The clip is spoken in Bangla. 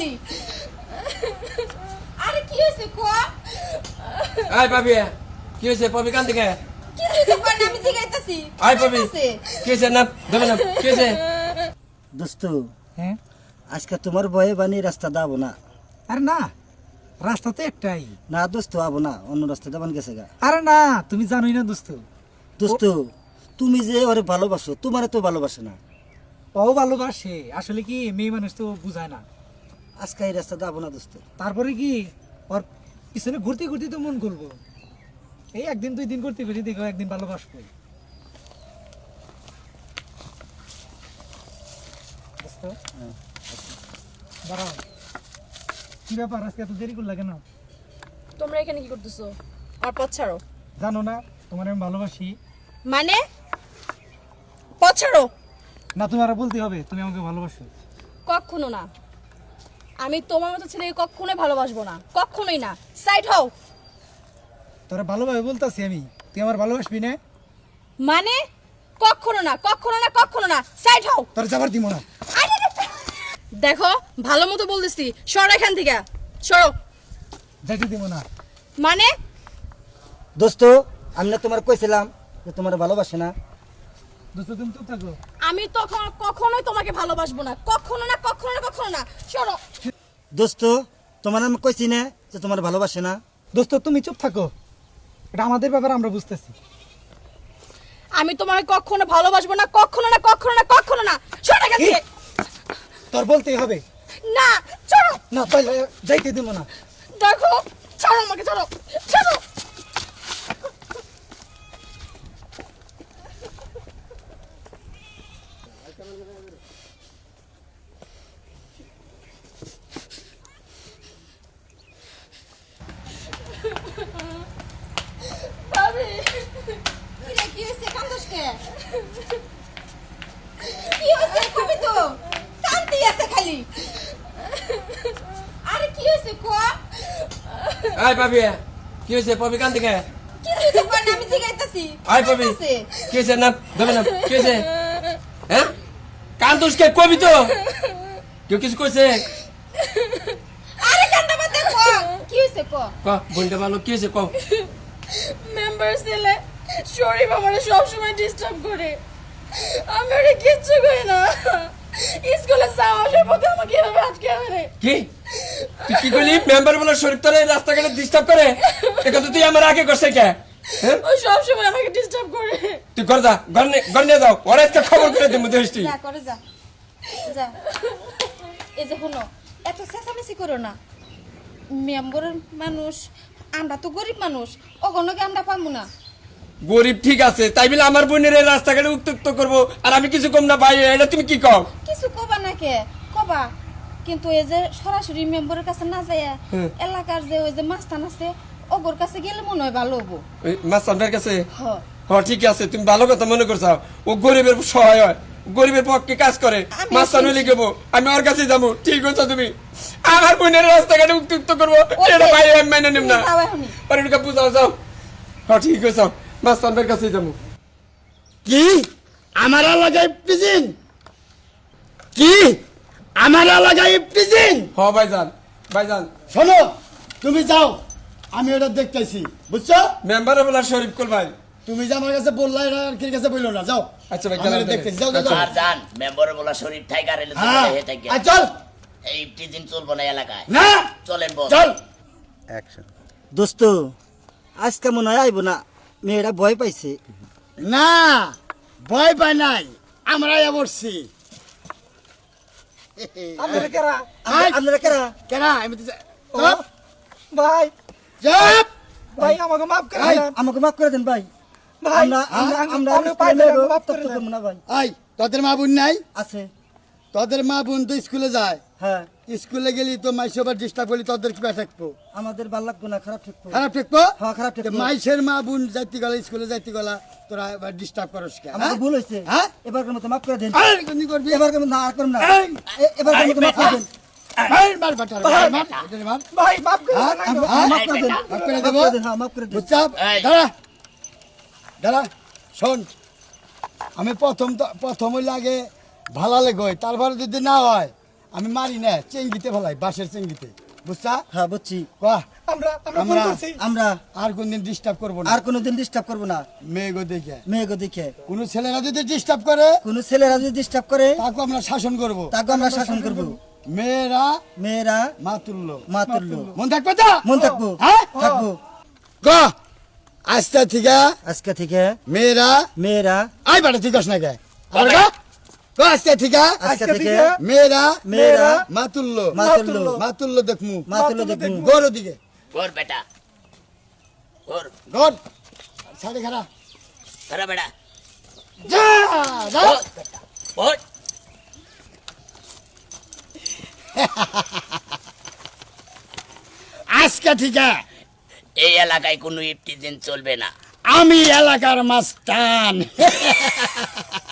খালি। আরে কি হইছে কো? আই পাবি কি হইছে পাবি কান থেকে কিছু তো কর না, আমি জিগাইতাছি। আই পাবি কি হইছে না দেবে না কি হইছে দোস্ত হ্যাঁ আজকে তোমার বয়ে বানি রাস্তা দাবো না। আরে না রাস্তা তো একটাই। না দোস্ত আবো না, অন্য রাস্তা দাবান গেছে গা। আরে না তুমি জানোই না দোস্ত, দোস্ত তুমি যে ওরে ভালোবাসো, তোমারে তো ভালোবাসে না। ও ভালোবাসে আসলে কি মেয়ে মানুষ তো বুঝায় না। আজকে এই রাস্তা দাবো না দোস্ত। তারপরে কি ওর পিছনে ঘুরতে ঘুরতে তো মন করবো, এই একদিন দুই দিন ঘুরতে ঘুরতে দেখো একদিন ভালোবাসবো। দোস্ত, দাঁড়াও, কি ব্যাপার আজকে এত দেরি করলা কেন? তোমরা এখানে কি করতেছো? আর পথ ছাড়ো। জানো না তোমার আমি ভালোবাসি? মানে পথ ছাড়ো। না তুমি আরো বলতে হবে তুমি আমাকে ভালোবাসো। কখনো না, আমি তোমার মতো ছেলেকে কখনোই ভালোবাসবো না, কখনোই না। সাইড হও। তোরা ভালোভাবে বলতাছি আমি, তুই আমার ভালোবাসবি না? মানে কখনো না, কখনো না, কখনো না। সাইড হও। তোর যাবার দিব না। দেখো ভালো মতো বলতেছি, সরো এখান থেকে, সরো। যাইতে দিব না। মানে দোস্ত আমি না তোমার কইছিলাম যে তোমার ভালোবাসে না। দোস্ত তুমি চুপ থাকো। আমি তখন কখনোই তোমাকে ভালোবাসবো না, কখনো না, কখনো না, কখনো না। সরো। দোস্ত তোমার আমি কইছি না যে তোমার ভালোবাসে না। দোস্ত তুমি চুপ থাকো, এটা আমাদের ব্যাপার আমরা বুঝতেছি। আমি তোমাকে কখনো ভালোবাসবো না, কখনো না, কখনো না, কখনো না। সরো এখান থেকে। তোর বলতেই হবে। না, সরো। না তাইলে যাইতে দিব না। দেখো, ছাড়ো আমাকে, ছাড়ো, ছাড়ো। ভাবি, কি হয়েছে? কান্দোস কে? কি হয়েছে? কবি তো কান্দি আছে খালি। আরে কি হয়েছে কো? আই পাবি কি হইছে পাবি কান থেকে কিছু তো কর না, আমি জিগাইতাছি। আই পাবি কি হইছে না দেবে না কি হইছে হ্যাঁ কান দুষকে কবি তো কেউ কিছু কইছে আরে কান্দা বাদ দে কো। কি হয়েছে কো? ক বলতে ভালো কি হইছে ক মেম্বার ছেলে শরীফ আমারে সবসময় ডিস্টার্ব করে, আমি ওরে কিচ্ছু করি না। স্কুলে যাওয়ার পথে আমাকে এভাবে আটকে ধরে। কি তুই কি কইলি মেম্বার বলে শরীফ তোরে রাস্তাঘাটে ডিস্টার্ব করে এটা তো তুই আমার আগে করছে কে হ্যাঁ ও সবসময় আমাকে ডিস্টার্ব করে। তুই ঘর যা ঘর নিয়ে যাও ওরা আজকে খবর করে দেবো দেশটি যা করে যা, যা। এই যে হলো, এত চেঁচামেচি করো না। মেম্বারের মানুষ, আমরা তো গরিব মানুষ, ওগুলোকে আমরা পাবো না। গরিব ঠিক আছে তাই বলে আমার বোনের এই রাস্তাঘাটে উত্তক্ত করবো আর আমি কিছু কম না ভাই এটা তুমি কি কও কিছু কবা না কে কবা, কিন্তু এই যে সরাসরি মেম্বারের কাছে না যায়, এলাকার যে ওই যে মাস্তান আছে ওগোর কাছে গেলে মনে হয় ভালো হবো। ওই মাস্টারটার কাছে হ, হ্যাঁ ঠিক আছে তুমি ভালো কথা মনে করছো ও গরিবের সহায় হয় গরিবের পক্ষে কাজ করে আমি মাস্টার হইলে গেবো আমি ওর কাছে যাবো ঠিক আছে তুমি আমার বোনের রাস্তাঘাটে উত্তক্ত করবো এটা ভাই আমি মেনে নিব না যাও এখনই। আর এটা বুঝাও যাও হ্যাঁ ঠিক আছে মাস্টারটার কাছে যাবো কি আমার লাগাই পিজিন কি আমার লাগাই পিজিন হ ভাইজান ভাইজান শোনো তুমি যাও আমি ওটা দেখতেছি বুঝছো মেম্বার বলা শরীফ কুল ভাই তুমি যে আমার কাছে বললা এটা আর কি কাছে বললো না যাও আচ্ছা ভাই, আমি গেলাম ওটা তাহলে। দেখতেছি যাও যাও, আচ্ছা। যাও আর জান মেম্বার বলা শরীফ টাইগার এলে তো হ্যাঁ হে থাকে আর চল এই টিজিন চলবো না এলাকায় না চলেন বস চল দোস্ত আজকে মনে হয় আইব না, মেয়েরা ভয় পাইছে। না ভয় পাই নাই আমরা বসছি আপনারা কারা? আপনারা কেরা? কেন আমি তো ও, ভাই চুপ ভাই আমাকে মাফ করে ভাই, দেন। আমাকে মাফ করে দেন ভাই। ভাই আমরা আমি পাই না, আমাকে মাফ করে উত্তক্ত দেন। করবো না ভাই। আই তোদের মা বোন নাই আছে তোদের মা বোন তো স্কুলে যায় হ্যাঁ, স্কুলে গেলি তো মাইসবার ডিস্টার্ব করলি তোদের কি থাকবো আমাদের ভাল লাগবো না, খারাপ থাকবো। খারাপ থাকবো হ্যাঁ, খারাপ থাকবো। মাইসের মা বোন যাইতে গেলে স্কুলে যাইতে গেলা তোরা এবার ডিস্টার্ব করস কে আমাকে ভুল হয়েছে, হ্যাঁ এবারকার মতো মাফ করে দেন। আর কোনি করবি এবারকার মতো না, আর করুন না। এই! এবারকার মতো মাফ করে দেন। মার মার বাটার মার মার এটারে মার ভাই মাফ করে হ্যাঁ, দেন আমাকে। হ্যাঁ, মাফ করে দেন। মাফ করে মাফ দেবো করে দেন, হ্যাঁ, মাফ করে দেন। বুঝছাপ এই। দাঁড়া দাঁড়া শোন আমি প্রথম লাগে ভালো লেগে তারপরে যদি না হয় আমি মারি না চেঙ্গিতে ফেলাই বাঁশের চেঙ্গিতে বুঝছা হ্যাঁ বুঝছি বাহ আমরা আমরা ফোন আমরা করছি আমরা আর কোনদিন ডিস্টার্ব করবো না আর কোনোদিন ডিস্টার্ব করবো না মেয়েগো দেখে মেয়েকে দেখে কোনো ছেলেরা যদি ডিস্টার্ব করে কোনো ছেলেরা যদি ডিস্টার্ব করে তাকে আমরা শাসন করব তাকে আমরা শাসন করবো মেয়েরা মেয়েরা মা তুল্য মা তুল্য মন থাকবে তো মন থাকবো হ্যাঁ থাকবো ক আস্তে থেকে আজকে থেকে মেয়েরা মেয়েরা আই বাড়ি ঠিক না কে আবার ক ক আস্তে থেকে আজকে থেকে মেয়েরা মেয়েরা মা তুল্য মা তুল্য মা তুল্য দেখমু মা তুল্য দেখবো গরু দিকে ওর বেটা ওর গর সাড়ে খারাপ ধরা বেটা যা যা ওর বেটা ওর আজকে থেকে এই এলাকায় কোনো ইফটিজিন চলবে না আমি এলাকার মাস্তান